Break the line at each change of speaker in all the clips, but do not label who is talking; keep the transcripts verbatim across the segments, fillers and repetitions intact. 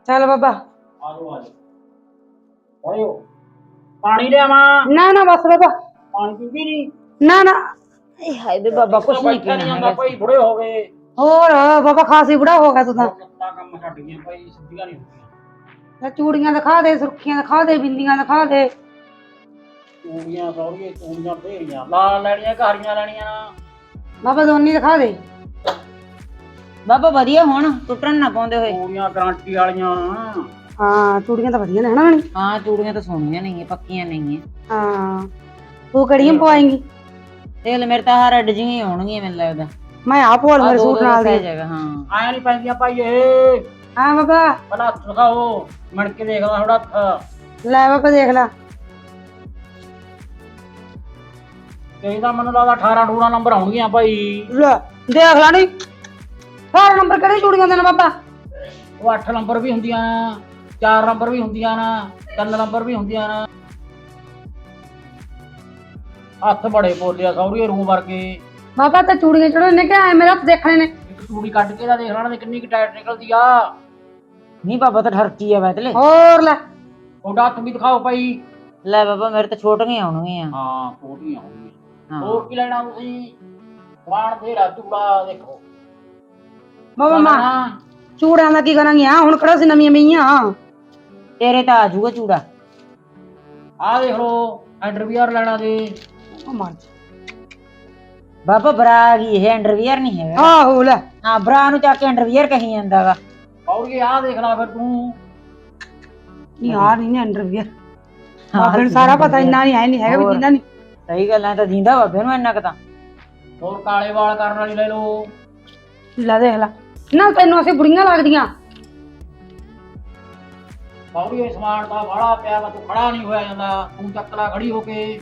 ਚੱਲ ਬਾਬਾ।
ਆਜੋ ਆਜੋ ਆਇਓ ਪਾਣੀ ਲਿਆਵਾਂ?
ਨਾ ਨਾ ਬਸ ਬਾਬਾ।
ਪਾਣੀ ਪੀਂਦੀ ਨਹੀਂ?
ਨਾ ਨਾ ਇਹ ਹਾਏ ਵੇ ਬਾਬਾ ਕੁਛ ਨਹੀਂ
ਬੈਠਾ
ਪੀਣਾ
ਜਾਂਦਾ
ਹੈਗਾ।
ਭਾਈ, ਬੁੜੇ ਹੋ ਗਏ।
ਹੋਰ ਬਾਬਾ ਖਾਸੀ ਬੁੜਾ ਹੋ ਗਿਆ ਤੂੰ ਤਾਂ।
ਲੱਤਾਂ ਕੰਮ ਛੱਡ ਗਈਆਂ ਭਾਈ, ਸਿੱਧੀਆਂ ਨਹੀਂ ਹੁੰਦੀਆਂ।
ਚੂੜੀਆਂ ਦਿਖਾ ਦੇ, ਸੁਰਖੀਆਂ ਦਿਖਾ ਦੇ, ਬਿੰਦੀਆਂ ਦਿਖਾ ਦੇ।
ਚੂੜੀਆਂ ਸੌੜੀਆਂ, ਚੂੜੀਆਂ ਢੇਰੀਆਂ ਲਾਲ ਲੈਣੀਆਂ, ਘਾਰੀਆਂ ਲੈਣੀਆਂ।
ਬਾਬਾ ਦੋਨੀ ਦਿਖਾ ਦੇ।
ਬਾਬਾ ਵਧੀਆ ਹੁਣ ਟੁੱਟਣ ਨਾ ਪਾਉਂਦੇ ਹੋਏ।
ਚੂੜੀਆਂ ਗਾਰੰਟੀ ਵਾਲੀਆਂ।
ਹਾਂ ਚੂੜੀਆਂ ਤਾਂ ਵਧੀਆ ਨੇ ਹਨਾ ਬਣੀ।
ਹਾਂ ਚੂੜੀਆਂ ਤਾਂ ਸੋਹਣੀਆਂ ਨਹੀਂ ਪੱਕੀਆਂ ਨਹੀਂ
ਹਾਂ ਤੂੰ ਕਿਹੜੀਆਂ ਪਵਾਏਂਗੀ?
ਦੇਖ ਲੈ ਮੇਰੇ ਤਾਂ ਆਹ ਰੈਡ ਜਿਹੀਆਂ ਆਉਣਗੀਆਂ ਮੈਨੂੰ ਲੱਗਦਾ।
ਮੈਂ ਆਪ ਪਵਾ ਲੂ ਮੇਰੇ ਸੂਟ ਨਾਲ ਦੀ।
ਜਗ੍ਹਾ ਹਾਂ
ਆਇਆ ਨਹੀਂ ਪੈਂਦੀਆਂ ਭਾਈ ਇਹ।
ਹਾਂ ਬਾਬਾ
ਪਹਿਲਾਂ ਹੱਥ ਦਿਖਾਓ, ਮੜ ਕੇ ਦੇਖਦਾ ਥੋੜਾ ਹੱਥ।
ਲੈ ਬਾਬਾ ਦੇਖ ਲੈ।
ਇਹਦਾ ਮੈਨੂੰ ਲੱਗਦਾ ਅਠਾਰਾਂ ਅਠੂਰਾਂ ਨੰਬਰ ਆਉਣਗੀਆਂ ਭਾਈ।
ਲੈ ਦੇਖ ਲੈ ਨੀ ਅਠਾਰਾਂ ਨੰਬਰ ਕਿਹੜੀ ਚੂੜੀਆਂ ਦੇ ਨੇ ਬਾਬਾ?
ਉਹ ਅੱਠ ਨੰਬਰ ਵੀ ਹੁੰਦੀਆਂ ਨਾ, ਚਾਰ ਨੰਬਰ ਵੀ ਹੁੰਦੀਆਂ ਨਾ, ਤਿੰਨ ਨੰਬਰ ਵੀ ਹੁੰਦੀਆਂ ਨਾ। ਹੱਥ ਬੜੇ ਬੋਲਿਆ ਸੌਰੀਏ ਰੂ ਵਰਗੇ।
ਬਾਬਾ ਤਾਂ ਚੂੜੀਆਂ ਚੜਾਉਣੇ ਨੇ ਕਿ ਐ ਮੇਰੇ ਹੱਥ ਦੇਖਣੇ ਨੇ?
ਇੱਕ ਚੂੜੀ ਕੱਢ ਕੇ ਤਾਂ ਦੇਖ ਲੈਣਾ ਕਿੰਨੀ ਕੁ ਟਾਈਟ ਨਿਕਲਦੀ ਆ।
ਨਹੀਂ ਬਾਬਾ ਤਾਂ ਠਰਕੀ ਆ ਵੈਤਲੇ।
ਹੋਰ ਲੈ
ਤੁਹਾਡਾ ਹੱਥ ਵੀ ਦਿਖਾਓ ਭਾਈ।
ਲੈ ਬਾਬਾ ਮੇਰੇ ਤਾਂ ਛੋਟੀਆਂ ਆਉਣਗੀਆਂ।
ਹਾਂ ਛੋਟੀਆਂ ਆਉਣਗੀਆਂ।
ਹਾਂ
ਹੋਰ ਕੀ ਲੈਣਾ ਤੁਸੀਂ? ਵਾਣ ਤੇਰਾ ਚੂੜਾ ਦੇਖੋ
ਬਾਬਾ ਮਾਂ ਚੂੜਿਆਂ ਦਾ ਕੀ ਕਰਾਂਗੇ? ਆ ਹੁਣ ਕਿਹੜਾ ਸੀ ਨਵੀਆਂ ਮਈਆਂ।
ਤੇਰੇ ਤਾਂ ਆ ਜਾਊਗਾ ਚੂੜਾ।
ਆਹ ਦੇਖ ਲੋ ਅੰਡਰਵੀਅਰ ਲੈਣਾ ਦੇ।
ਉਹ ਮਰ
ਬਾਬਾ ਬਰਾ ਆ ਗਈ ਇਹ ਅੰਡਰਵੀਅਰ ਨਹੀਂ ਹੈਗਾ।
ਆਹੋ ਲੈ
ਹਾਂ ਬਰਾ ਨੂੰ ਚੱਕ ਕੇ ਅੰਡਰਵੀਅਰ ਕਹੀ ਜਾਂਦਾ ਵਾ।
ਸੌਰੀਏ ਆਹ ਦੇਖ ਲੈ ਫਿਰ ਤੂੰ।
ਨਹੀਂ ਆ ਨਹੀਂ ਨੇ ਅੰਡਰਵੀਅਰ। ਬਾਬੇ ਨੂੰ ਸਾਰਾ ਪਤਾ ਇੰਨਾ ਨਹੀਂ ਹੈ ਨਹੀਂ ਹੈਗਾ ਵੀ ਜਿੰਨਾ ਨਹੀਂ।
ਸਹੀ ਗੱਲ ਐ ਤਾਂ ਦਿੰਦਾ ਬਾਬੇ ਨੂੰ ਇੰਨਾ ਕੁ ਤਾਂ।
ਹੋਰ ਕਾਲੇ ਵਾਲ ਕਰਨ ਵਾਲੀ ਲੈ ਲਓ।
ਲੈ ਦੇਖ ਲੈ ਨਾ ਤੈਨੂੰ ਅਸੀਂ ਬੁੜੀਆਂ ਲੱਗਦੀਆਂ।
ਸੌਰੀਏ ਸਮਾਨ ਤਾਂ ਬਾਹਲਾ ਪਿਆ ਵਾ, ਤੂੰ ਖੜਾ ਨਹੀਂ ਹੋਇਆ ਜਾਂਦਾ। ਤੂੰ ਚੱਕ ਲੈ ਖੜੀ ਹੋ ਕੇ।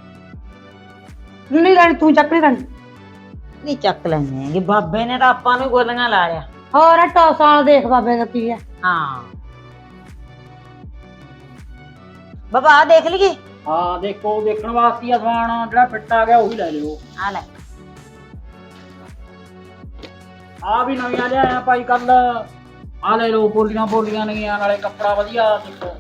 ਨਹੀਂ ਲੈਣੀ ਤੂੰ ਚੱਕ ਨਹੀਂ ਲੈਣੀ।
ਨਹੀਂ ਚੱਕ ਲੈਣੇ ਹੈਗੇ ਬਾਬੇ ਨੇ ਤਾਂ ਆਪਾਂ ਨੂੰ ਗੋਲੀਆਂ ਲਾ ਲਿਆ।
ਹੋਰ ਟੌਸ ਵਾਲਾ ਦੇਖ ਬਾਬੇ ਦਾ ਕੀ ਹੈ।
ਹਾਂ ਬਾਬਾ ਆ ਦੇਖ ਲਈਏ।
ਹਾਂ ਦੇਖੋ, ਦੇਖਣ ਵਾਸਤੇ ਆ ਸਮਾਨ। ਜਿਹੜਾ ਫਿੱਟ ਆ ਗਿਆ ਉਹੀ ਲੈ ਲਿਓ।
ਆ ਲੈ
ਆ ਵੀ ਨਵੀਆਂ ਲਿਆਇਆ ਭਾਈ ਕੱਲ। ਆ ਲੈ ਲਓ, ਬੋਲੀਆਂ ਬੋਲੀਆਂ ਨੇਗੀਆਂ, ਨਾਲੇ ਕੱਪੜਾ ਵਧੀਆ। ਦੇਖੋ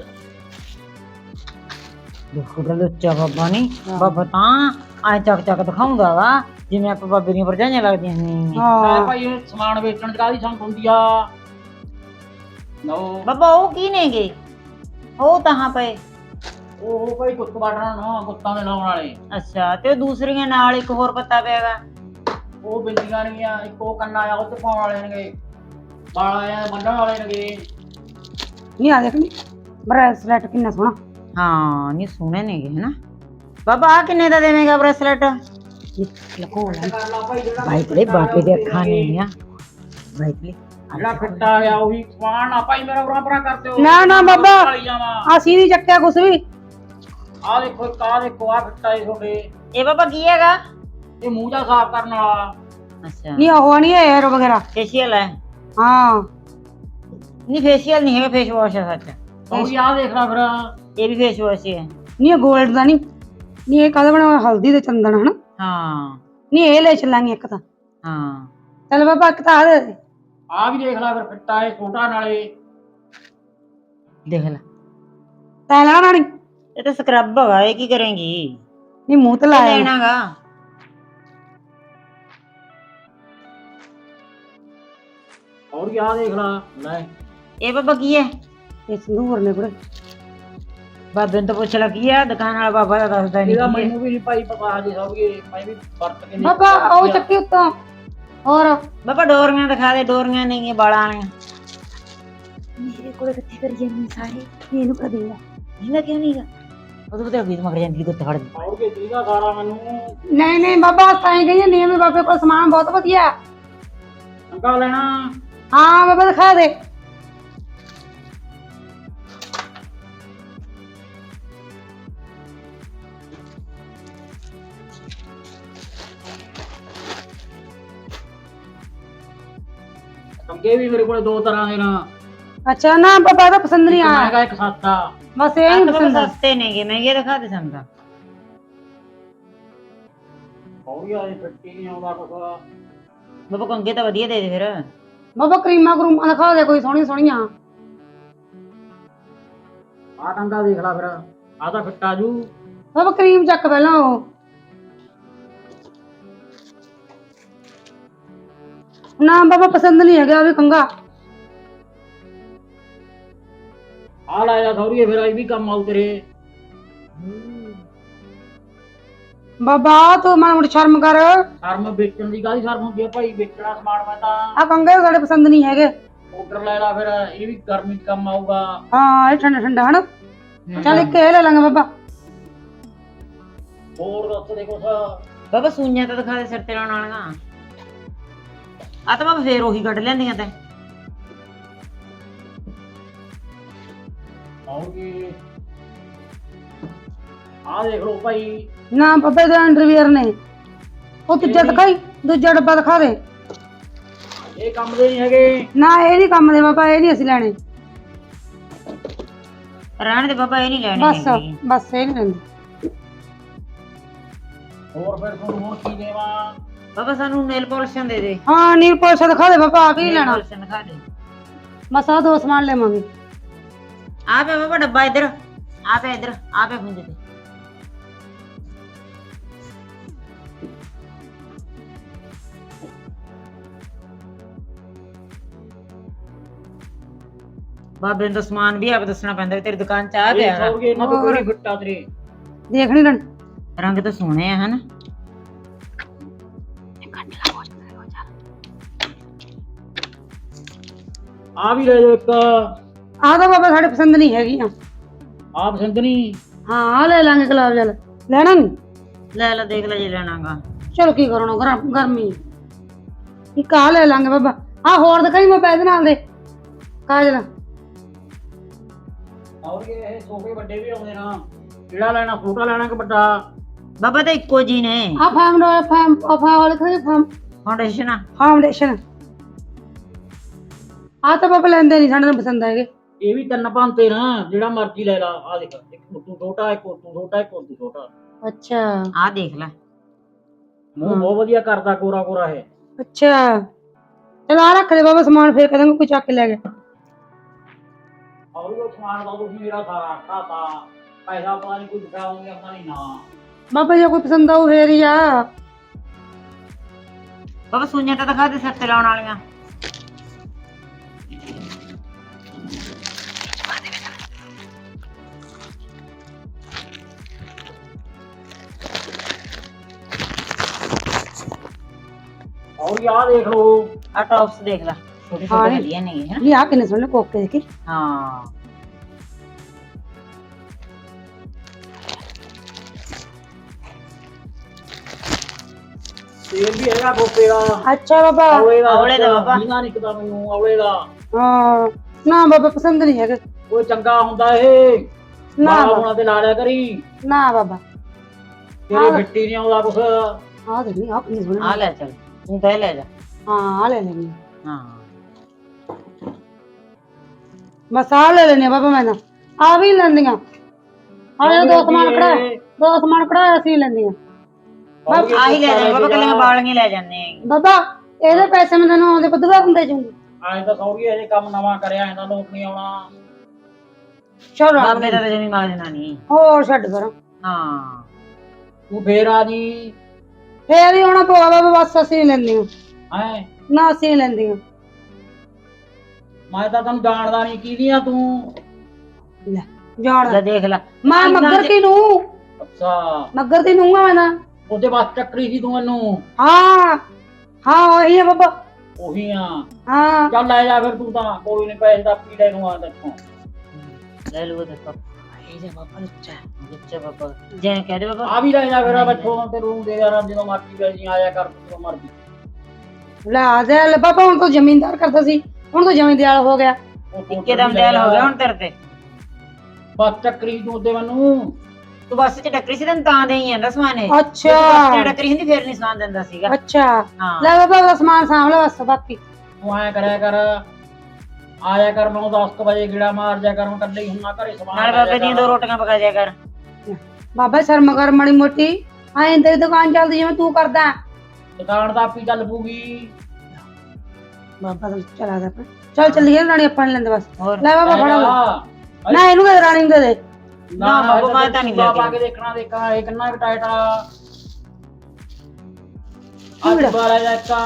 ਦੇਖੋ ਤਾਂ ਲੁੱਚਾ ਬਾਬਾ ਨਹੀਂ। ਬਾਬਾ ਤਾਂ ਐ ਚੱਕ ਚੱਕ ਦਿਖਾਉਂਦਾ ਵਾ ਜਿਵੇਂ ਆਪਾਂ ਬਾਬੇ ਦੀਆਂ ਭਰਜਾਈਆਂ ਲੱਗਦੀਆਂ ਨੇ।
ਲੈ
ਹਾਂ
ਭਾਈ ਇਹ ਸਮਾਨ ਵੇਚਣ ਦੀ ਕਾਹਦੀ ਸੰਗ ਹੁੰਦੀ ਆ। ਲਓ
ਬਾਬਾ ਉਹ ਕੀ ਨੇਗੇ? ਉਹ ਤਾਂ ਪਏ।
ਉਹ ਭਾਈ ਗੁੱਤ ਵਾਟਣਾ ਨਾ, ਗੁੱਤਾਂ ਦੇ ਲਾਉਣ ਵਾਲੇ।
ਅੱਛਾ ਤੇ ਉਹ ਦੂਸਰੀਆਂ ਨਾਲ ਇੱਕ ਹੋਰ ਪੱਤਾ ਪਿਆਗਾ।
ਉਹ ਬਿੰਦੀਆਂ ਨੇਗੀਆਂ। ਇੱਕ ਉਹ ਕੰਨਾ ਆ ਉਹ ਚ ਪਾਉਣ ਵਾਲੇ ਨੇਗੇ, ਵਾਲ ਆ ਬੰਨਣ ਵਾਲੇ ਨੇਗੇ।
ਨਹੀਂ ਆ ਦੇਖ ਨੀ ਬ੍ਰੈਸਲੈਟ ਕਿੰਨਾ ਸੋਹਣਾ।
ਹਾਂ ਨਹੀਂ ਸੋਹਣੇ ਨੇਗੇ ਹਨਾ। ਬਾਬਾ ਆ ਕਿੰਨੇ ਦਾ ਦੇਵੇਂਗਾ ਬ੍ਰੈਸਲੈਟ?
ਲਕੋ ਲੈ
ਕਰ ਲਾ ਭਾਈ ਜਿਹੜਾ
ਭਾਈ ਤੇਰੇ ਬਾਬੇ ਦੇ ਅੱਖਾਂ ਨੇ ਆ ਭਾਈ ਤੇਰੇ।
ਜਿਹੜਾ ਫਿੱਟ ਆ ਗਿਆ ਉਹੀ ਸਮਾਨ ਆ ਭਾਈ। ਮੇਰਾ ਉਰਾਂ ਪਰਾਂ ਕਰ ਦਿਓ।
ਨਾ ਨਾ ਬਾਬਾ
ਵਾਲੀ ਜਾਵਾਂ।
ਅਸੀਂ ਨਹੀਂ ਚੱਕਿਆ ਕੁਛ ਵੀ।
ਆ ਦੇਖੋ ਇੱਕ ਆ ਦੇਖੋ ਆ ਫਿੱਟਾ ਏ ਤੁਹਾਡੇ।
ਇਹ ਬਾਬਾ ਕੀ ਹੈਗਾ?
ਇਹ ਮੂੰਹ ਜਾ ਸਾਫ਼ ਕਰਨ ਵਾਲਾ।
ਅੱਛਾ
ਨਹੀਂ ਉਹ ਨਹੀਂ ਹੈ ਯਾਰ ਵਗੈਰਾ।
ਫੇਸ਼ੀਅਲ ਹੈ?
ਹਾਂ
ਨਹੀਂ ਫੇਸ਼ੀਅਲ ਨਹੀਂ ਹੈਗਾ, ਫੇਸ ਵਾਸ਼ ਹੈ ਸੱਚ।
ਉਹ ਆ ਦੇਖ ਲੈ ਫਿਰ।
ਇਹ ਵੀ ਫੇਸ ਵਾਸ਼ ਹੀ ਹੈ।
ਨਹੀਂ ਇਹ ਗੋਲਡ ਦਾ ਨਹੀਂ। ਨਹੀਂ ਇਹ ਕਾਹਦਾ ਬਣਿਆ? ਹਲਦੀ ਤੇ ਚੰਦਨ ਹਨਾ।
ਹਾਂ
ਨਹੀਂ ਇਹ ਲੈ ਚੱਲਾਂਗੇ ਇੱਕ ਤਾਂ।
ਹਾਂ
ਚੱਲ ਬਾਬਾ ਇੱਕ ਤਾਂ ਆ ਦੇ ਦੇ।
ਆ ਵੀ ਦੇਖ ਲੈ ਫਿਰ ਫਿੱਟਾ ਏ ਛੋਟਾ ਨਾਲੇ।
ਦੇਖ ਲੈ
ਤੈਂ ਲੈਣਾ ਨਹੀਂ?
ਇਹ ਤਾਂ ਸਕਰਬ ਹੈਗਾ। ਇਹ ਕੀ ਕਰੇਂਗੀ?
ਨਹੀਂ ਮੂੰਹ ਤੇ ਲਾਇਆ
ਲੈਣਾਗਾ।
ਹੋਰ ਆ ਦੇਖ ਲੈ। ਲੈ
ਇਹ ਬਾਬਾ ਕੀ ਹੈ?
ਇਹ ਸੰਦੂਰ ਨੇ ਕੁੜੇ।
ਬਾਬੇ ਨੂੰ ਤਾਂ ਪੁੱਛ ਲਾ ਕੀ ਹੈ। ਦੁਕਾਨ ਵਾਲਾ ਬਾਬਾ ਦਾ ਦੱਸਦਾ ਨਹੀਂ
ਇਹਦਾ
ਕੀ ਹੈ।
ਮੈਨੂੰ ਵੀ ਨਹੀਂ ਭਾਈ ਪਤਾ ਹਜੇ ਸੌਰੀਏ। ਮੈਂ ਵੀ ਵਰਤ ਕੇ ਨਹੀਂ।
ਬਾਬਾ ਉਹ ਚੱਕੀ ਉੱਤੋਂ। ਹੋਰ
ਬਾਬਾ ਡੋਰੀਆਂ ਦਿਖਾ ਦੇ। ਡੋਰੀਆਂ ਨਹੀਂ ਬਾਲਾਂ ਵਾਲੀਆਂ।
ਮੇਰੇ ਕੋਲ ਕਿੱਥੇ ਕਰੀ ਜਾਂਦੀ ਸਾਰੇ। ਇਹਨੂੰ ਕਹ ਦੇਗਾ।
ਇਹਦਾ ਕਿਉਂ ਨਹੀਂਗਾ? ਉਦੋਂ ਬਤੇ ਵੀ ਮਗਰ ਜਾਂਦੀ ਗੁੱਤ ਫੜ ਦੀ।
ਸੌਰੀਏ ਦੀਦਾ ਸਾਰਾ ਮੈਨੂੰ।
ਨਹੀਂ ਨਹੀਂ ਬਾਬਾ ਤਾਂ ਹੀ ਗਈ ਨਹੀਂ। ਬਾਬੇ ਕੋਲ ਸਮਾਨ ਬਹੁਤ ਵਧੀਆ।
ਅੰਕਾ ਲੈਣਾ?
ਹਾਂ ਬਾਬਾ ਦਿਖਾ ਦੇ।
ਕੰਗੇ ਵੀ ਮੇਰੇ ਕੋਲ ਦੋ ਤਰ੍ਹਾਂ ਦੇ ਨਾ।
ਅੱਛਾ ਨਾ ਬਾਬਾ ਦਾ ਪਸੰਦ ਨਹੀਂ
ਇੱਕ
ਆਇਆ।
ਮਹਿੰਗਾ ਇੱਕ ਸਸਤਾ।
ਬਸ ਇਹ ਹੀ ਪਸੰਦ ਆ।
ਸਸਤੇ ਨੇਗੇ, ਮਹਿੰਗੇ ਦਿਖਾ ਦੇ ਸੰਦਾ।
ਸੌਰੀਏ ਇਹ ਫਿੱਟੀ ਨਹੀਂ ਆਉਂਦਾ ਕੁਛ।
ਬਾਬਾ ਕੰਗੇ ਤਾਂ ਵਧੀਆ ਦੇ ਦੇ ਫਿਰ।
ਬਾਬਾ ਕਰੀਮਾਂ ਕਰੂਮਾਂ ਦਿਖਾ ਦੇ ਕੋਈ ਸੋਹਣੀ ਸੋਹਣੀਆਂ।
ਆ ਟੰਗਾ ਦੇਖ ਲੈ ਫਿਰ ਆ ਤਾਂ ਫਿੱਟ ਆ ਜੂ।
ਬਾਬਾ ਕਰੀਮ ਚੱਕ ਪਹਿਲਾਂ ਉਹ ਨਾ ਬਾਬਾ ਪਸੰਦ ਨਹੀਂ ਹੈਗਾ ਵੀ ਕੰਗਾ।
ਆ ਲੈ ਜਾ ਸੌਰੀਏ ਫਿਰ ਇਹ ਵੀ ਕੰਮ ਆਉ ਤੇਰੇ।
ਬਾਬਾ ਤੂੰ ਮਾੜਾ ਮੋਟੀ ਸ਼ਰਮ ਕਰ।
ਸ਼ਰਮ ਵੇਚਣ ਦੀ ਕਾਹਦੀ ਸ਼ਰਮ ਹੁੰਦੀ ਆ ਭਾਈ, ਵੇਚਣਾ ਸਮਾਨ ਮੈਂ ਤਾਂ।
ਆ ਕੰਗੇ ਸਾਡੇ ਪਸੰਦ ਨਹੀਂ ਹੈਗੇ।
ਆਰਡਰ ਲੈ ਲਾ ਫਿਰ, ਇਹ ਵੀ ਗਰਮੀ ਚ ਕੰਮ ਆਊਗਾ।
ਹਾਂ ਇਹ ਠੰਡਾ ਠੰਡਾ ਹਨਾ। ਚੱਲ ਇੱਕ ਇਹ ਲੈ ਲਾਂਗੇ ਬਾਬਾ।
ਹੋਰ ਦੱਸ ਦੇ ਕੁਛ।
ਬਾਬਾ ਸੂਈਆਂ ਤਾਂ ਦਿਖਾ ਦੇ ਸਿਰ ਤੇ ਲਾਉਣ ਵਾਲੀਆਂ। ਆ ਤਾਂ ਬਾਬਾ ਫੇਰ ਉਹੀ ਕੱਢ ਲੈਂਦੀਆਂ ਤੈਂ।
ਆਉਗੀ ਆ ਦੇਖ ਲਓ ਭਾਈ।
ਨਾ ਬਾਬੇ ਦੇ ਅੰਡਰਵੀਅਰ ਨੇ। ਉਹ ਦੂਜਾ ਦਿਖਾਈ, ਦੂਜਾ ਡੱਬਾ ਦਿਖਾ ਦੇ।
ਇਹ ਕੰਮ ਦੇ ਨਹੀਂ ਹੈਗੇ।
ਨਾ ਇਹ ਨਹੀਂ ਕੰਮ ਦੇ ਬਾਬਾ, ਇਹ ਨਹੀਂ ਅਸੀਂ ਲੈਣੇ।
ਰਹਿਣ ਦੇ ਬਾਬਾ, ਇਹ ਨਹੀਂ ਲੈਣੇ
ਬਸ
ਹੈਗੇ।
ਬਸ ਇਹ ਨਹੀਂ ਲੈਂਦੇ।
ਹੋਰ ਫਿਰ ਤੁਹਾਨੂੰ ਹੁਣ ਕੀ ਦੇਵਾਂ?
ਬਾਬਾ ਸਾਨੂੰ ਨੇਲ ਪਾਲਿਸ਼ਾਂ ਦੇ ਦੇ।
ਹਾਂ ਨੀਲ ਪਾਲਿਸ਼ ਦਿਖਾ ਦੇ ਬਾਬਾ, ਆ ਕੀ ਲੈਣਾ।
ਪਾਲਿਸ਼ਾਂ ਦਿਖਾ ਦੇ।
ਬਸ ਆ ਦੋ ਸਮਾਨ ਲੈਵਾਂਗੇ।
ਆ ਪਿਆ ਬਾਬਾ ਡੱਬਾ ਇੱਧਰ, ਆ ਪਿਆ ਇੱਧਰ, ਆ ਪਿਆ ਖੁੰਝੇ ਤੇ। ਬਾਬੇ ਨੂੰ ਤਾਂ ਸਮਾਨ ਵੀ ਆਪ ਦੱਸਣਾ ਪੈਂਦਾ ਵੀ ਤੇਰੀ ਦੁਕਾਨ ਚ ਆ ਪਿਆ ਹੈਗਾ।
ਸੌਰੀਏ ਇਹਨਾਂ ਤੋਂ ਕੋਈ ਫਿੱਟਾ ਤੇਰੇ।
ਦੇਖ ਨਹੀਂ ਲੈਣ।
ਰੰਗ ਤਾਂ ਸੋਹਣੇ ਆ ਹਨ।
ਆ ਵੀ ਲੈ ਜਾਓ ਇੱਕ।
ਆ ਤਾਂ ਬਾਬਾ ਸਾਡੇ ਪਸੰਦ ਨਹੀਂ ਹੈਗੀਆਂ।
ਆ ਪਸੰਦ ਨਹੀਂ।
ਹਾਂ ਆ ਲੈ ਲਾਂਗੇ ਗੁਲਾਬ ਜਲ। ਲੈਣਾ ਨਹੀਂ?
ਲੈ ਲੈ ਦੇਖ ਲੈ ਜੇ ਲੈਣਾਗਾ।
ਚਲੋ ਕੀ ਕਰਨਾ, ਗਰਮ ਗਰਮੀ। ਇੱਕ ਆ ਲੈ ਲਾਂਗੇ ਬਾਬਾ। ਆ ਹੋਰ ਦਿਖਾਈ ਮੈਂ ਪੈਸੇ ਨਾਲ ਦੇ ਕਾਜਲ।
ਸੌਰੀਏ ਇਹ ਸੋਫੇ ਵੱਡੇ ਵੀ ਆਉਂਦੇ ਨਾ। ਕਿਹੜਾ ਲੈਣਾ, ਛੋਟਾ ਲੈਣਾ ਕਿ ਵੱਡਾ?
ਬਾਬਾ ਤਾਂ ਇੱਕੋ ਜੀ ਨੇ।
ਆ ਫਾਰਮ ਦਾ ਫਾਰਮ ਆਫਾ ਵਾਲੇ ਖਾਈ ਫਾਰਮ
ਫਾਊਂਡੇਸ਼ਨ ਆ।
ਫਾਊਂਡੇਸ਼ਨ। ਆ ਤਾਂ ਬਾਬਾ ਲੈਂਦੇ ਨਹੀਂ, ਸਾਡੇ ਨੂੰ ਪਸੰਦ ਹੈਗੇ।
ਇਹ ਵੀ ਤਿੰਨ ਭਾਂਤੇ ਨਾ, ਜਿਹੜਾ ਮਰਜ਼ੀ ਲੈ ਲਾ। ਆ ਦੇਖ, ਇੱਕ ਤੂੰ ਛੋਟਾ, ਇੱਕ ਤੂੰ ਛੋਟਾ, ਇੱਕ ਤੂੰ ਛੋਟਾ।
ਅੱਛਾ
ਆ ਦੇਖ ਲੈ।
ਮੂੰਹ ਬਹੁਤ ਵਧੀਆ ਕਰਦਾ, ਕੋਰਾ ਕੋਰਾ ਹੈ।
ਅੱਛਾ ਚਲ ਆ ਰੱਖ ਦੇ ਬਾਬਾ ਸਮਾਨ, ਫੇਰ ਕਦਾਂਗੇ ਕੋਈ ਚੱਕ ਕੇ ਲੈ ਗਿਆ।
ਔਰ ਉਹ ਸਮਾਨ ਦਾ ਤੁਸੀਂ ਮੇਰਾ ਸਾਰਾ ਖਾਤਾ ਪੈਸਾ ਪਤਾ ਨਹੀਂ ਕੋਈ ਦਿਖਾਉਂਗੇ ਆਪਣਾ ਨਹੀਂ ਨਾ।
ਬਾਬਾ ਜੇ ਕੋਈ ਪਸੰਦ ਆਊ ਫੇਰ ਹੀ ਆ।
ਬਾਬਾ ਸੂਈਆਂ ਤਾਂ ਦਿਖਾ ਦੇ ਸਿਰ ਤੇ ਲਾਉਣ ਵਾਲੀਆਂ।
ਔਰ ਯਾ ਦੇਖ ਲੋ।
ਆ ਟੌਪਸ ਦੇਖ ਲੈ, ਛੋਟੇ
ਹਾਂ
ਛੋਟੇ
ਇਹ-
ਵਧੀਆ ਨੇ ਹਨਾ।
ਇਹ ਆ ਕਿੰਨੇ ਸੋਹਣੇ ਕੋਕੇ ਦੇਖੀ।
ਹਾਂ
ਤੇਲ ਵੀ ਹੈਗਾ ਗੋਪੇ ਦਾ।
ਅੱਛਾ ਬਾਬਾ।
ਔਲੇ ਦਾ
ਔਲੇ ਦਾ ਬਾਬਾ।
ਨੀਂਦਾ ਨਿਕਦਾ ਮੈਨੂੰ ਔਲੇ ਦਾ।
ਹਾਂ ਨਾ ਬਾਬਾ ਪਸੰਦ ਨਹੀਂ ਹੈਗੇ।
ਕੋਈ ਚੰਗਾ ਹੁੰਦਾ ਇਹ
ਨਾ
ਮਾਰਾ
ਬਾਬਾ,
ਹੋਣਾ ਤੇ ਲਾ ਲਿਆ ਕਰੀ।
ਨਾ ਬਾਬਾ।
ਤੇਰੇ ਮਿੱਟੀ ਨਹੀਂ ਆਉਂਦਾ ਕੁਛ।
ਆ ਦੇਖ ਨਹੀਂ ਆ ਕਿੰਨੇ ਸੋਹਣੇ।
ਆ ਲੈ ਚੱਲ, ਤੂੰ ਤਾਂ ਇਹ ਲੈ ਜਾ।
ਹਾਂ ਆ ਲੈ ਲੈਣੀ।
ਹਾਂ
ਬਸ ਆ ਲੈ ਲੈਣੀ ਬਾਬਾ। ਮੈਂ ਨਾ ਆ ਵੀ ਲੈਂਦੀਆਂ। ਆ ਦੋ ਸਮਾਨ ਕਢਾਇਆ, ਦੋ ਸਮਾਨ ਕਢਾਇਆ ਅਸੀਂ ਲੈਂਦੀਆਂ।
ਆਹੀ ਲੈ ਜਾ ਬਾਬਾ, ਕੱਲੀਆਂ ਵਾਲੀਆਂ ਲੈ ਜਾਂਦੇ ਆ।
ਬਾਬਾ ਇਹਦੇ ਪੈਸੇ ਮੈਂ ਤੈਨੂੰ ਆਉਂਦੇ ਬੁੱਧਵਾਰ ਨੂੰ ਦੇ ਜੂੰਗੀ।
ਐਂ ਤਾਂ ਸੌਰੀਏ ਹਜੇ ਕੰਮ ਨਵਾਂ ਕਰਿਆ, ਇਹਦਾ ਲੋਕ ਨਹੀਂ ਆਉਣਾ।
ਚਲੋ
ਬਾਬੇ ਦਾ ਤਾਂ ਜਮੀ ਮਾਜਣਾ ਨਹੀਂ।
ਹੋਰ ਛੱਡ ਪਰ।
ਹਾਂ
ਤੂੰ ਫੇਰ ਆ ਜੀ।
ਫੇਰ ਹੀ ਆਉਣਾ ਪਊਗਾ ਬਾਬਾ, ਬਸ ਅਸੀਂ ਲੈਂਦੀਆਂ।
ਹੈਂ
ਨਾ ਅਸੀਂ ਲੈਂਦੀਆਂ।
ਮੈਂ ਤਾਂ ਤੈਨੂੰ ਜਾਣਦਾ ਨਹੀਂ, ਕਿਹਦੀ ਆ ਤੂੰ?
ਲੈ ਜਾਣ
ਲੈ ਦੇਖ ਲੈ।
ਮੈਂ ਮੱਗਰ ਦੀ ਨੂੰ।
ਅੱਛਾ
ਮੱਗਰ ਦੀ ਨੂੰ ਆ ਮੈਂ ਤਾਂ।
ਉਹਦੇ ਬਸ ਚੱਕਰੀ ਸੀ ਤੂੰ ਮੈਨੂੰ।
ਹਾਂ ਹਾਂ ਉਹੀ ਹੈ ਬਾਬਾ।
ਉਹੀ ਆ।
ਹਾਂ
ਚੱਲ ਲੈ ਜਾ ਫਿਰ ਤੂੰ ਤਾਂ, ਕੋਈ ਨਹੀਂ ਪੈਸੇ ਦਾ ਪੀ ਲੈ ਨੂੰ ਆ ਤੇਥੋਂ।
ਲੈ ਲਓ ਦੇਖੋ, ਇਹ ਜੇ ਬਾਬਾ ਲੁੱਚਾ ਲੁੱਚਾ ਬਾਬਾ ਜੇ ਕਹਿ ਦੇ ਬਾਬਾ।
ਆ ਵੀ ਲੈ ਜਾ ਫਿਰ ਬੱਚੋਂ ਤੇ ਰੂਮ ਦੇ ਯਾਰ, ਜਦੋਂ ਮਰਜ਼ੀ ਪੈ ਜੀ ਆਇਆ ਕਰ ਜਦੋਂ ਮਰਜ਼ੀ।
ਲੈ ਦੇ ਲੈ ਬਾਬਾ, ਹੁਣ ਤਾਂ ਜ਼ਮੀਨਦਾਰ ਕਰਦਾ ਸੀ, ਹੁਣ ਤਾਂ ਜ਼ਮੀਨਦਾਰ ਹੋ ਗਿਆ।
ਇੱਕੇ ਦਮ ਦਿਲ ਹੋ ਗਿਆ ਹੁਣ ਤੇਰੇ ਤੇ।
ਬਸ ਚੱਕਰੀ ਤੂੰ ਉਹਦੇ ਮੈਨੂੰ।
ਤੂੰ ਬੱਸ ਚ ਟੱਕਰੀ ਸੀ, ਤੈਨੂੰ ਤਾਂ ਦੇਈ ਜਾਂਦਾ ਸਮਾਨ ਇਹ।
ਅੱਛਾ
ਬੱਸ ਚ ਟੱਕਰੀ ਹੁੰਦੀ ਫੇਰ ਨਹੀਂ ਸਮਾਨ ਦਿੰਦਾ ਸੀਗਾ।
ਅੱਛਾ
ਹਾਂ
ਲੈ ਬਾਬਾ ਉਹਦਾ ਸਮਾਨ ਸਾਂਭ ਲੈ ਬਸ। ਬਾਕੀ
ਤੂੰ ਐਂ ਕਰਿਆ ਕਰ, ਆਇਆ ਕਰ ਮੈਨੂੰ ਦਸ ਕੁ ਵਜੇ ਗੇੜਾ ਮਾਰ ਜਾ ਕਰ, ਮੈਂ ਇਕੱਲੇ ਹੀ ਹੁੰਨਾ ਘਰੇ ਸਮਾਨ
ਨਾਲ
ਲੈ
ਬਾਬੇ
ਜਾ
ਦੀਆਂ
ਕਰ।
ਦੋ ਰੋਟੀਆਂ ਪਕਾ ਦਿਆ ਕਰ।
ਬਾਬਾ ਸ਼ਰਮ ਕਰ ਮਾੜੀ ਮੋਟੀ। ਐਂ ਤੇਰੀ ਦੁਕਾਨ ਚੱਲਦੀ ਜਿਵੇਂ ਤੂੰ ਕਰਦਾ।
ਦੁਕਾਨ ਤਾਂ ਆਪੀ ਚੱਲ ਪੂਗੀ।
ਬਾਬਾ ਤਾਂ ਚਲਾ ਦਾ। ਚੱਲ ਚੱਲੀਏ ਰਾਣੀ, ਆਪਾਂ ਨੀ ਲੈਂਦੇ ਬਸ।
ਹੋਰ
ਲੈ ਬਾਬਾ
ਲੈ
ਫੜਾ ਲੈ।
ਜਾ।
ਨਾ ਇਹਨੂੰ ਕਦੇ ਰਾਣੀ ਨੂੰ ਦੇ ਦੇ।
ਨਾ ਬਾਬਾ ਮੈਂ ਤਾਂ ਨਹੀਂ ਲੈ
ਪਾ
ਕੇ
ਕੇ ਦੇਖਣਾ ਦੇਖਾਂ ਇਹ ਕਿੰਨਾ ਟਾਈਟ ਆ ਅੱਜ ਬਾਰਾ ਜਾਕਾ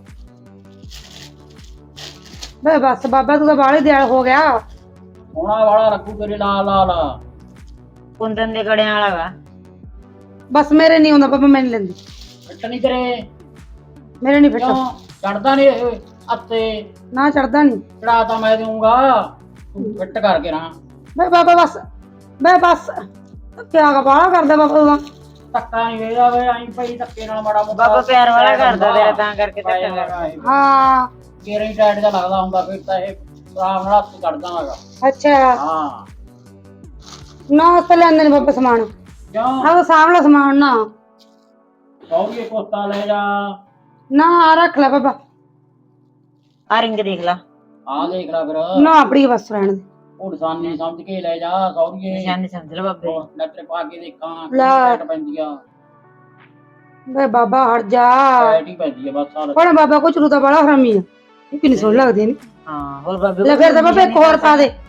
ਬੇ ਬਸ ਬਾਬਾ ਤੂੰ ਤਾਂ ਬਾਹਲੇ ਦਿਆਲ ਹੋ ਗਿਆ।
ਸੋਹਣਾ ਵਾਲਾ ਰੱਖੂ ਤੇਰੇ ਲਾਲ ਲਾਲ
ਕੁੰਦਨ ਦੇ ਗੜਿਆਂ ਵਾਲਾ ਵਾ।
ਬਸ ਮੇਰੇ ਨਹੀਂ ਹੁੰਦਾ ਬਾਬਾ, ਮੈਂ ਨਹੀਂ ਲੈਂਦੀ,
ਫਿੱਟ ਨਹੀਂ ਤੇਰੇ
ਮੇਰੇ ਨਹੀਂ ਫਿੱਟਾ।
ਕਿਉਂ ਚੜਦਾ ਨਹੀਂ ਇਹ ਅੱਤੇ
ਨਾ ਚੜਦਾ ਨਹੀਂ।
ਚੜਾ ਤਾਂ ਮੈਂ ਦੇਊਂਗਾ ਤੂੰ ਫਿੱਟ ਕਰਕੇ ਨਾ
ਬੇ ਬਾਬਾ ਬਸ ਬੇ ਬਸ ਕਿਆ ਬਾਹਲਾ ਕਰਦਾ ਬਾਬਾ ਤੂੰ ਤਾਂ।
ਧੱਕਾ ਨਹੀਂ ਵੇਦਾ ਵੇ ਆਈ ਪਈ ਧੱਕੇ ਨਾਲ ਮਾੜਾ ਮੋਟਾ
ਬਾਬਾ ਪਿਆਰ ਵਾਲਾ ਕਰਦਾ ਤੇਰਾ ਤਾਂ ਕਰਕੇ ਧੱਕਾ ਕਰਦਾ।
ਹਾਂ
ਕੇਰੇ ਟਾਈਟ ਦਾ ਲੱਗਦਾ ਹੁੰਦਾ ਫਿਰ ਤਾਂ ਇਹ ਆਰਾਮ ਨਾਲ ਹੱਥ ਕੱਢਦਾ ਹੈਗਾ।
ਅੱਛਾ
ਹਾਂ
ਨਾ ਉਸ ਤੋਂ ਲੈਂਦੇ ਨੇ ਬਾਬਾ ਸਮਾਨ।
ਕਿਉਂ
ਆਹ ਸਾਹਮਣਾ ਸਮਾਨ ਨਾ
ਕਹੋਗੇ ਕੋਸਤਾ ਲੈ ਜਾ
ਨਾ ਆ ਰੱਖ ਲੈ ਬਾਬਾ।
ਆ ਰਿੰਗ ਦੇਖ ਲਾ,
ਆ ਦੇਖ ਲੈ ਫਿਰ
ਨਾ ਆਪਣੀ ਬਸ ਰਹਿਣ ਦੇ।
ਉਹ ਨਿਸ਼ਾਨੀ ਸਮਝ ਕੇ ਲੈ ਜਾ ਸੌਰੀਏ
ਨਿਸ਼ਾਨੀ ਸਮਝ ਲੈ ਬਾਬੇ।
ਲੈਟਰ ਪਾ ਕੇ ਦੇਖਾਂ
ਲੈ।
ਟਾਈਟ ਪੈਂਦੀ ਆ
ਬੇ ਬਾਬਾ ਹਟ ਜਾ।
ਟਾਈਟ ਹੀ ਪੈਂਦੀ ਆ ਬਸ ਸਾਰਾ
ਪਰ ਬਾਬਾ ਕੋ ਚਰੂ ਤਾਂ ਬੜਾ ਹਰਾਮੀ ਆ, ਇਹ ਕਿੰਨੀ ਸੋਹਣੀ ਲੱਗਦੀ ਨੇ।
ਹਾਂ ਹੋਰ ਬਾਬੇ
ਲੈ ਫਿਰ ਤਾਂ ਬਾਬਾ ਇੱਕ ਹੋਰ ਪਾ ਦੇ।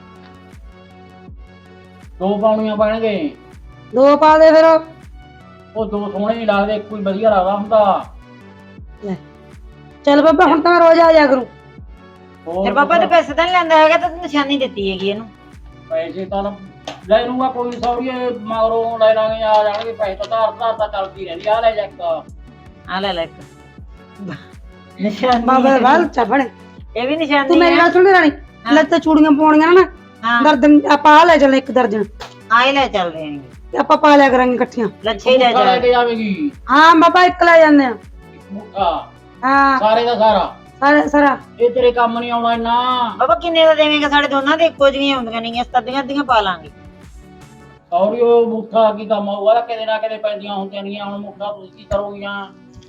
ਦੋ ਪਾਉਣੀਆਂ ਪੈਣਗੇ।
ਦੋ ਪਾ ਦੇ ਫਿਰ।
ਉਹ ਦੋ ਸੋਹਣੇ ਨਹੀਂ ਲੱਗਦੇ ਇੱਕੋ ਹੀ ਵਧੀਆ ਲੱਗਦਾ ਹੁੰਦਾ।
ਲੈ ਚੱਲ ਬਾਬਾ ਹੁਣ ਤਾਂ ਮੈਂ ਰੋਜ਼ ਆ ਜਾ ਕਰੂੰ।
ਹੋਰ
ਫਿਰ ਬਾਬਾ ਤੂੰ ਪੈਸੇ ਤਾਂ ਨਹੀਂ ਲੈਂਦਾ ਹੈਗਾ, ਤਾਂ ਤੂੰ ਨਿਸ਼ਾਨੀ ਦਿੱਤੀ ਹੈਗੀ ਇਹਨੂੰ।
ਪੈਸੇ ਤਾਂ ਲੈ ਲੂੰਗਾ ਕੋਈ ਸੌਰੀਏ ਮਗਰੋਂ ਲੈ ਲਾਂਗੇ ਆ ਜਾਣਗੇ ਪੈਸੇ ਤਾਂ ਧਾਰ ਧਾਰ ਤਾਂ ਚੱਲਦੀ ਰਹਿੰਦੀ ਆ ਲੈ ਜਾ ਇੱਕ
ਆ ਲੈ ਲੈ ਇੱਕ ਨਿਸ਼ਾਨੀ।
ਬਾਬਾ ਦੇ ਬਾਲ ਚੱਪਣ
ਇਹ ਵੀ ਨਿਸ਼ਾਨੀ
ਤੂੰ ਮੇਰੀ
ਹੈ।
ਗੱਲ ਸੁਣ ਰਾਣੀ, ਲੱਤ ਤੇ ਚੂੜੀਆਂ ਪਾਉਣੀਆਂ ਨਾ
ਹਾਂ
ਦਰਜਨ ਆਪਾਂ ਆ ਲੈ ਚੱਲ ਇੱਕ ਦਰਜਨ
ਆਏ ਲੈ ਚੱਲ ਰਹੇ ਨੇ,
ਤੇ ਆਪਾਂ ਪਾ ਲਿਆ ਕਰਾਂਗੇ ਇਕੱਠੀਆਂ।
ਲੱਛੇ ਹੀ ਲੈ
ਮੁੱਠਾ ਲੈ
ਜਾ।
ਕੇ ਜਾਵੇਗੀ
ਹਾਂ ਬਾਬਾ ਇੱਕ ਲੈ ਜਾਂਦੇ ਆ।
ਮੁੱਠਾ
ਹਾਂ
ਸਾਰੇ ਦਾ ਸਾਰਾ
ਸਾਰਾ ਸਾਰਾ
ਇਹ ਤੇਰੇ ਕੰਮ ਨਹੀਂ ਆਉਣਾ ਇੰਨਾ।
ਬਾਬਾ ਕਿੰਨੇ ਦਾ ਦੇਵੇਂਗਾ? ਸਾਡੇ ਦੋਨਾਂ ਦੇ ਇੱਕੋ ਜਿਹੀਆਂ ਹੁੰਦੀਆਂ ਨਹੀਂ, ਅੱਧੀਆਂ ਅੱਧੀਆਂ ਪਾ ਲਾਂਗੇ।
ਸੌਰੀ ਉਹ ਮੁੱਠਾ ਕੀ ਕੰਮ ਆਊਗਾ ਕਿਤੇ ਨਾ ਕਿਤੇ ਪੈਂਦੀਆਂ ਹੁੰਦੀਆਂ ਨਹੀਂ। ਹੁਣ ਮੁੱਠਾ ਤੁਸੀਂ ਕੀ ਕਰੋਗੀਆਂ?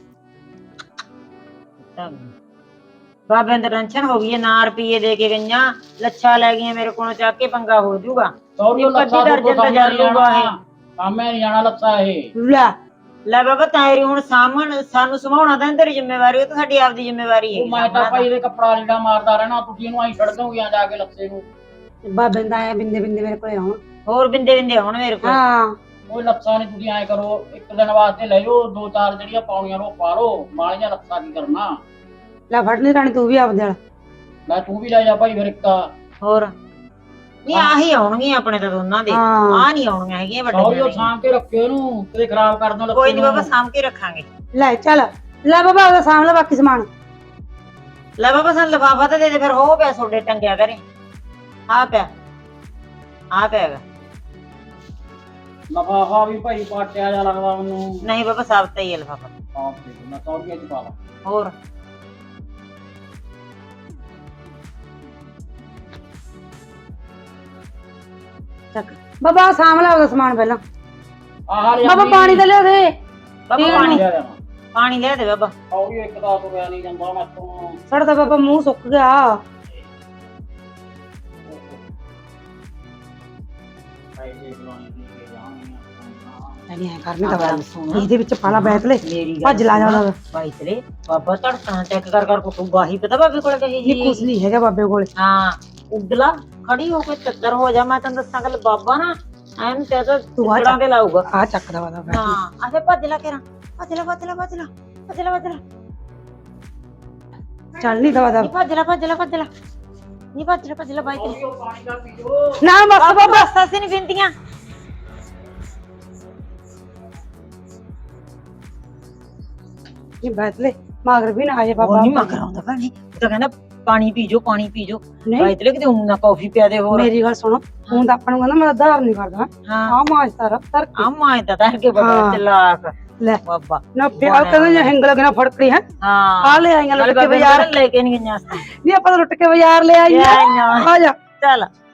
ਬਾਬੇ ਨੂੰ ਟੈਨਸ਼ਨ ਹੋ ਗਈ ਹੈ, ਨਾ ਰੁਪਈਏ ਦੇ ਕੇ ਗਈਆਂ, ਲੱਛਾ ਲੈ ਗਈਆਂ ਮੇਰੇ ਕੋਲੋਂ, ਚੱਕ ਕੇ ਪੰਗਾ ਹੋ ਜਾਊਗਾ।
ਸੌਰੀ ਉਹ
ਇੱਕ ਅੱਧੀ
ਲੱਛਾ
ਦਰਜਨ ਤਾਂ ਜਰ ਲੂਗਾ ਇਹ।
ਕਾਮੇ ਨਹੀਂ ਜਾਣਾ ਲੱਛਾ ਇਹ।
ਲੈ
ਲੈ ਬਾਬਾ ਤਾਇਰੀ ਹੁਣ ਸਾਹਮਣ ਸਾਨੂੰ ਸਮਾਉਣਾ ਤਾਂ ਤੇਰੀ ਜ਼ਿੰਮੇਵਾਰੀ, ਉਹ ਤਾਂ ਸਾਡੀ ਆਪਦੀ ਜ਼ਿੰਮੇਵਾਰੀ
ਉਹ
ਹੈ।
ਮੈਂ ਤਾਂ ਭਾਈ ਇਹਦੇ ਕੱਪੜਾ ਲੀੜਾ ਮਾਰਦਾ ਰਹਿਣਾ, ਤੁਸੀਂ ਇਹਨੂੰ ਆਈ ਛੱਡ ਦੋਗੇ ਜਾ ਕੇ ਲੱਛੇ ਨੂੰ।
ਬਾਬੇ ਦਾ ਆਇਆ ਬਿੰਦੇ ਬਿੰਦੇ ਮੇਰੇ ਕੋਲੇ ਆਉਣ।
ਹੋਰ ਬਿੰਦੇ ਬਿੰਦੇ ਆਉਣ ਮੇਰੇ ਕੋਲ।
ਹਾਂ
ਉਹ ਲੱਛਾ ਨਹੀਂ ਤੁਸੀਂ ਐ ਕਰੋ, ਇੱਕ ਦਿਨ ਵਾਸਤੇ ਲੈ ਜਾਓ ਦੋ ਚਾਰ ਜਿਹੜੀਆਂ ਪਾਉਣੀਆਂ ਉਹ ਪਾ ਲਓ, ਮਾਲੀਆਂ ਲੱਛਾ ਕੀ ਕਰਨਾ।
ਲੈ ਫੜ ਲਈ ਰਾਣੀ ਤੂੰ ਵੀ ਆਪਦੇ ਵਾਲਾ।
ਲੈ ਤੂੰ ਵੀ ਲੈ ਜਾ ਭਾਈ ਫਿਰ ਇੱਕ।
ਹੋਰ ਨਹੀਂ ਆਹੀ ਆਉਣਗੀਆਂ ਆਪਣੇ ਤਾਂ ਦੋਨਾਂ ਦੇ,
ਹਾਂ।
ਆਹ ਨਹੀਂ ਆਉਣੀਆਂ ਹੈਗੀਆਂ
ਸੌਰੀ ਉਹ
ਵੱਡੀਆਂ।
ਸਾਂਭ ਕੇ ਰੱਖਿਓ ਇਹਨੂੰ, ਕਿਤੇ ਖਰਾਬ ਕਰ ਦੋ ਲੱਛੇ
ਕੋਈ ਨਹੀਂ
ਨੂੰ।
ਬਾਬਾ ਸਾਂਭ ਕੇ ਰੱਖਾਂਗੇ।
ਲੈ ਚੱਲ ਲੈ ਬਾਬਾ ਉਹਦਾ ਸਾਂਭ ਲੈ ਬਾਕੀ ਸਮਾਨ।
ਲੈ ਬਾਬਾ ਸਾਨੂੰ ਲਿਫਾਫਾ ਤਾਂ ਦੇ ਦੇ ਫਿਰ, ਹੋ ਪਿਆ ਤੁਹਾਡੇ ਟੰਗਿਆ ਕਰੇ। ਆ ਪਿਆ ਆ ਪਿਆ ਹੈਗਾ।
ਲਫਾਫਾ ਵੀ ਭਾਈ ਪਾਟਿਆ ਜਾ ਲੱਗਦਾ ਮੈਨੂੰ।
ਨਹੀਂ ਬਾਬਾ ਸਾਬਤਾ ਹੀ ਹੈ ਲਿਫਾਫਾ।
ਆਪ ਦੇ ਦਿਓ, ਮੈਂ ਸੌਰੀ ਚ ਪਾ ਲਾ।
ਹੋਰ
ਚੱਕ ਬਾਬਾ ਆਹ ਸਾਂਭ ਲੈ ਉਹਦਾ ਸਮਾਨ ਪਹਿਲਾਂ।
ਆਹ ਲੈ
ਬਾਬਾ ਪਾਣੀ ਤਾਂ ਲਿਆ ਦੇ।
ਬਾਬਾ
ਠੀਕ
ਪਾਣੀ
ਲਿਆ ਦੇਵਾਂ।
ਪਾਣੀ ਲੈ ਦੇ ਬਾਬਾ।
ਸੌਰੀ ਇੱਕ ਦਾ ਤੁਰਿਆ ਨਹੀਂ ਜਾਂਦਾ ਮੈਂ ਤੋਂ।
ਸਾਡਾ ਤਾਂ ਬਾਬਾ ਮੂੰਹ ਸੁੱਕ ਗਿਆ।
ਪੈਸੇ ਬੁਲਾਉਣੇ ਦੀ ਕੇ ਜਾਣਗੀਆਂ।
ਨਹੀਂ ਐ ਕਰਨੀ ਤਾਂ
ਗੱਲ
ਗੱਲ
ਸੁਣ।
ਇਹਦੇ ਵਿੱਚ ਪਾਲਾ ਬੈਠ ਲੈ
ਮੇਰੀ ਗੱਲ
ਭੱਜ ਲਾ ਜਾਂਦਾ।
ਭਾਈ ਤੇਰੇ ਬਾਬਾ ਧੜਕਣਾ ਚੈੱਕ ਕਰ ਕਰ ਕੋ ਗਾਹੀ ਪਤਾ ਬਾਬੇ ਕੋਲ ਕਹੀ
ਨਹੀਂ ਕੁਛ
ਜੀ।
ਨਹੀਂ ਹੈਗਾ ਬਾਬੇ ਕੋਲੇ।
ਹਾਂ ਉਗਲਾ ਖੜੀ ਹੋ ਕੇ ਚੱਕਰ ਹੋ ਜਾ। ਮੈਂ ਤੈਨੂੰ ਦੱਸਾਂ ਗੱਲ ਬਾਬਾ ਨਾ ਐਨ ਤੇ ਤਾਂ
ਤੂੰ ਆ
ਟੁਕੜਾਂ ਤੇ ਲਾਊਗਾ।
ਆ ਚੱਕਦਾ ਵਾਦਾ ਬੈਠ।
ਹਾਂ ਆਸੇ ਭੱਜ ਲਾ ਕੇ ਰਾਂ ਭੱਜ ਲਾ ਭੱਜ ਲਾ ਭੱਜ ਲਾ ਭੱਜ ਲਾ ਭੱਜ ਲਾ
ਚੱਲ ਨਹੀਂ ਦਵਾ ਦਾ
ਨਹੀਂ ਭੱਜ ਲਾ ਭੱਜ ਲਾ ਭੱਜ ਲਾ ਨਹੀਂ ਭੱਜ ਲਾ ਭੱਜ ਲਾ ਬਾਈ ਤੇਰੇ।
ਸੌਰੀ ਉਹ ਪਾਣੀ ਦਾ ਪੀਓ।
ਨਾ ਬਸ
ਬਾਬਾ
ਬਾਬਾ
ਬਸ ਅਸੀਂ ਨਹੀਂ ਬਿੰਦੀਆਂ।
ਇਹ ਬੈਠ ਲੈ ਮਗਰ ਵੀ ਨਾ ਆਏ
ਉਹ
ਬਾਬਾ।
ਨਹੀਂ ਮਗਰ ਆਉਂਦਾ ਭੈਣੇ, ਉਹ ਤਾਂ ਕਹਿੰਦਾ ਪਾਣੀ ਪੀ ਜੋ ਪਾਣੀ ਪੀ ਜੋ।
ਨਹੀਂ
ਬਾਈ ਤੇਰੇ ਕਿਤੇ ਊਂ ਨਾ ਕਾਫੀ ਪਿਆ ਦੇ ਹੋਰ।
ਮੇਰੀ ਗੱਲ ਸੁਣੋ ਹੁਣ ਤਾਂ ਆਪਾਂ ਨੂੰ ਕਹਿੰਦਾ ਮੈਂ ਆਧਾਰ ਨਹੀਂ ਕਰਦਾ।
ਹਾਂ
ਆ ਮਾਜ ਤਾਰਾ ਤਰ
ਆ ਮਾਂ ਤਾਂ ਤਾਂ ਕੇ ਬਾਬਾ
ਹਾਂ।
ਚਲਾਕ
ਲੈ
ਬਾਬਾ।
ਨਾ ਪਿਆ ਕਹਿੰਦੇ ਜੇ ਹਿੰਗ ਲੱਗਣਾ ਫੜਕੜੀ ਹੈ।
ਹਾਂ
ਆ ਲੈ ਆਈਆਂ
ਨਾਲੇ
ਲੁੱਟ ਕੇ
ਬਾਬੇ
ਬਾਜ਼ਾਰ।
ਲੈ ਕੇ ਨਹੀਂ ਗਈਆਂ ਸੀ।
ਨਹੀਂ ਆਪਾਂ ਤਾਂ ਲੁੱਟ ਕੇ ਬਾਜ਼ਾਰ ਲੈ ਆਈਆਂ।
ਲੈ ਆਈਆਂ।
ਆ ਜਾ
ਚੱਲ